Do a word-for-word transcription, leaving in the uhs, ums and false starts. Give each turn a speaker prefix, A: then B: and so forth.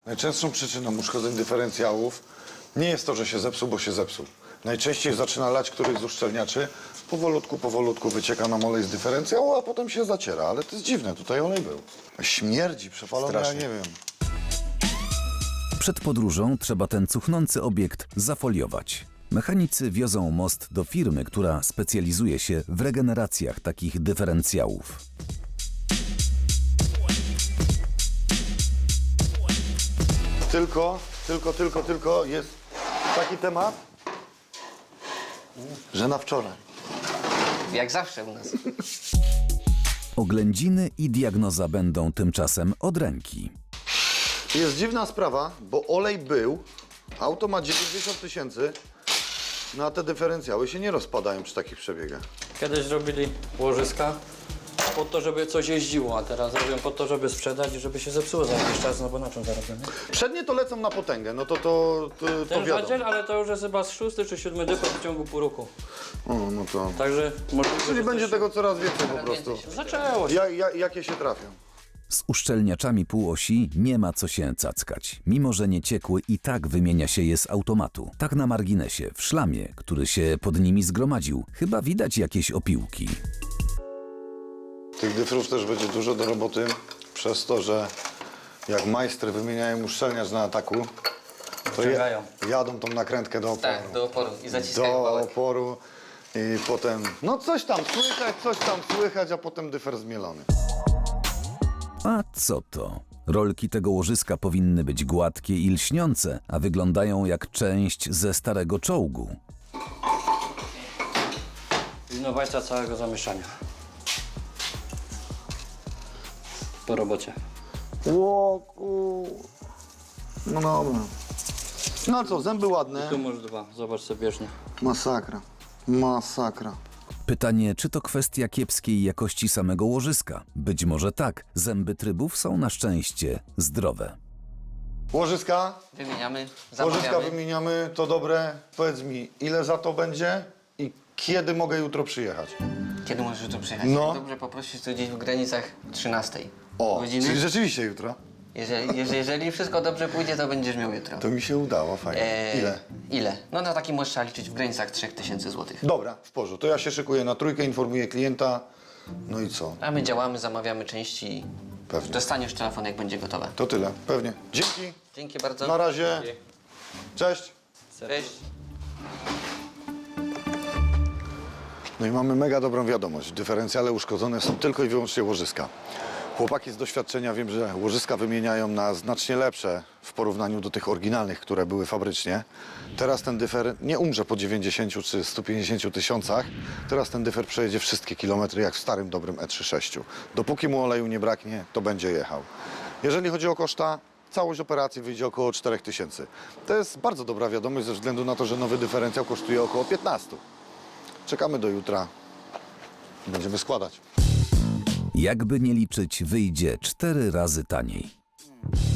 A: Najczęstszą przyczyną uszkodzeń dyferencjałów nie jest to, że się zepsuł, bo się zepsuł. Najczęściej zaczyna lać któryś z uszczelniaczy, powolutku, powolutku wycieka nam olej z dyferencjału, a potem się zaciera. Ale to jest dziwne, tutaj olej był. Śmierdzi, przepalony, ja nie wiem.
B: Przed podróżą trzeba ten cuchnący obiekt zafoliować. Mechanicy wiozą most do firmy, która specjalizuje się w regeneracjach takich dyferencjałów.
A: Tylko, tylko, tylko, tylko jest taki temat, że na wczoraj.
C: Jak zawsze u nas.
B: Oględziny i diagnoza będą tymczasem od ręki.
A: Jest dziwna sprawa, bo olej był, auto ma dziewięćdziesiąt tysięcy, no a te dyferencjały się nie rozpadają przy takich przebiegach.
D: Kiedyś robili łożyska po to, żeby coś jeździło, a teraz robią po to, żeby sprzedać i żeby się zepsuło za jakiś czas, no bo na czym zarabiamy?
A: Przednie to lecą na potęgę, no to to, to, to
D: Ten
A: wiadomo.
D: wadziel, ale to już jest chyba z szósty czy siódmy dypl w ciągu pół roku.
A: O, no to...
D: Także możliwe,
A: Czyli
D: że
A: będzie
D: coś
A: tego coraz więcej po prostu.
D: zaczęło się.
A: Ja, ja, jakie się trafią?
B: Z uszczelniaczami półosi nie ma co się cackać. Mimo że nie ciekły, i tak wymienia się je z automatu. Tak na marginesie, w szlamie, który się pod nimi zgromadził, chyba widać jakieś opiłki.
A: Tych dyfrów też będzie dużo do roboty, przez to, że jak majstry wymieniają uszczelniacz na ataku, to je,
D: Wciągają.
A: jadą tą nakrętkę do oporu.
C: Tak, do oporu i zaciskają
A: do
C: wałek.
A: oporu i potem, no coś tam słychać, coś tam słychać, a potem dyfer zmielony.
B: A co to? Rolki tego łożyska powinny być gładkie i lśniące, a wyglądają jak część ze starego czołgu.
D: Innowacja całego zamieszania. Po robocie.
A: Łoku. No dobra. No ale co, zęby ładne.
D: Tu masz dwa, zobacz sobie bieżnie.
A: Masakra. Masakra.
B: Pytanie, czy to kwestia kiepskiej jakości samego łożyska? Być może tak. Zęby trybów są na szczęście zdrowe.
A: Łożyska?
C: Wymieniamy,
A: Łożyska
C: zamawiamy.
A: wymieniamy, to dobre. Powiedz mi, ile za to będzie i kiedy mogę jutro przyjechać?
C: Kiedy możesz tu przyjechać?
A: No.
C: Dobrze poprosić tu gdzieś w granicach trzynastej
A: O,
C: godziny.
A: czyli rzeczywiście jutro?
C: Jeżeli, jeżeli, jeżeli wszystko dobrze pójdzie, to będziesz miał jutro.
A: To mi się udało, fajnie.
C: Eee,
A: Ile?
C: Ile? No na taki możesz trzeba liczyć w granicach trzech tysięcy złotych.
A: Dobra, w porządku. To ja się szykuję na trójkę, informuję klienta. No i co?
C: A my działamy, zamawiamy części i
A: Pewnie.
C: dostaniesz telefon, jak będzie gotowe.
A: To tyle, pewnie. Dzięki.
C: Dzięki bardzo.
A: Na razie. Cześć.
C: Cześć.
A: No i mamy mega dobrą wiadomość. Dyferencjale uszkodzone są tylko i wyłącznie łożyska. Chłopaki z doświadczenia wiem, że łożyska wymieniają na znacznie lepsze w porównaniu do tych oryginalnych, które były fabrycznie. Teraz ten dyfer nie umrze po dziewięćdziesięciu czy stu pięćdziesięciu tysiącach. Teraz ten dyfer przejedzie wszystkie kilometry jak w starym, dobrym E trzydzieści sześć. Dopóki mu oleju nie braknie, to będzie jechał. Jeżeli chodzi o koszta, całość operacji wyjdzie około czterech tysięcy. To jest bardzo dobra wiadomość ze względu na to, że nowy dyferencjał kosztuje około piętnastu. Czekamy do jutra. Będziemy składać.
B: Jakby nie liczyć, wyjdzie cztery razy taniej.